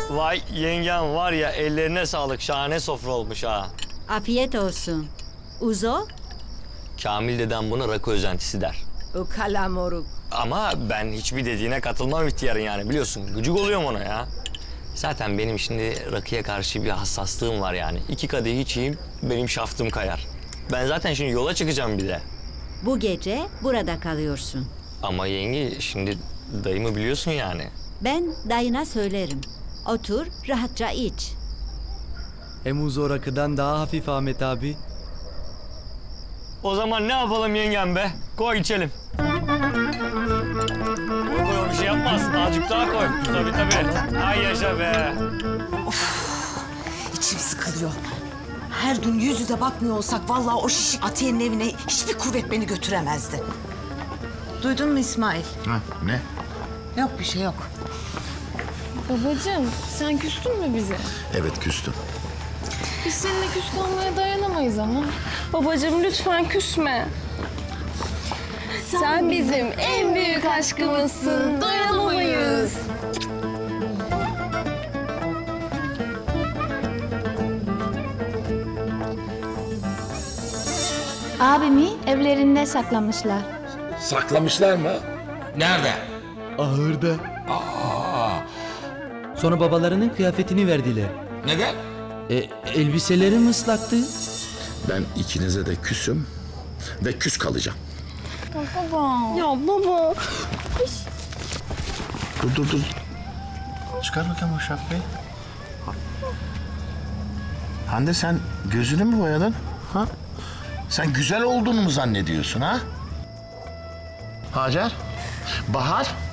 Vay yengem var ya, ellerine sağlık, şahane sofra olmuş ha. Afiyet olsun. Uzo? Kamil dedem buna rakı özentisi der. Ukala moruk. Ama ben hiçbir dediğine katılmam ihtiyarın yani, biliyorsun. Gıcık oluyorum ona ya. Zaten benim şimdi rakıya karşı bir hassaslığım var yani. 2 kadeh içeyim, benim şaftım kayar. Ben zaten şimdi yola çıkacağım bir de. Bu gece burada kalıyorsun. Ama yenge, şimdi dayımı biliyorsun yani. Ben dayına söylerim. Otur, rahatça iç. Hem Uzo rakıdan daha hafif Ahmet abi. O zaman ne yapalım yengem be? Koy içelim. Koy koy, bir şey yapmaz. Azıcık daha koy. Tabii. Ay yaşa be. İçim sıkılıyor. Her gün yüz yüze bakmıyor olsak vallahi o şişik Atiye'nin evine hiçbir kuvvet beni götüremezdi. Duydun mu İsmail? Ha, ne? Yok bir şey yok. Babacığım, sen küstün mü bize? Evet, küstüm. Biz seninle küs kalmaya dayanamayız ama. Babacığım lütfen küsme. Sen bizim en büyük aşkımızsın, dayanamayız. Abimi evlerinde saklamışlar. Saklamışlar mı? Nerede? Ahırda. Sonra babalarının kıyafetini verdiler. Neden? Elbiselerim ıslaktı. Ben ikinize de küsüm ve küs kalacağım. Ya baba. Dur. Çıkar bakayım o şapkayı. Hande, sen gözünü mü boyadın? Ha? Sen güzel olduğunu mu zannediyorsun ha? Hacer? Bahar?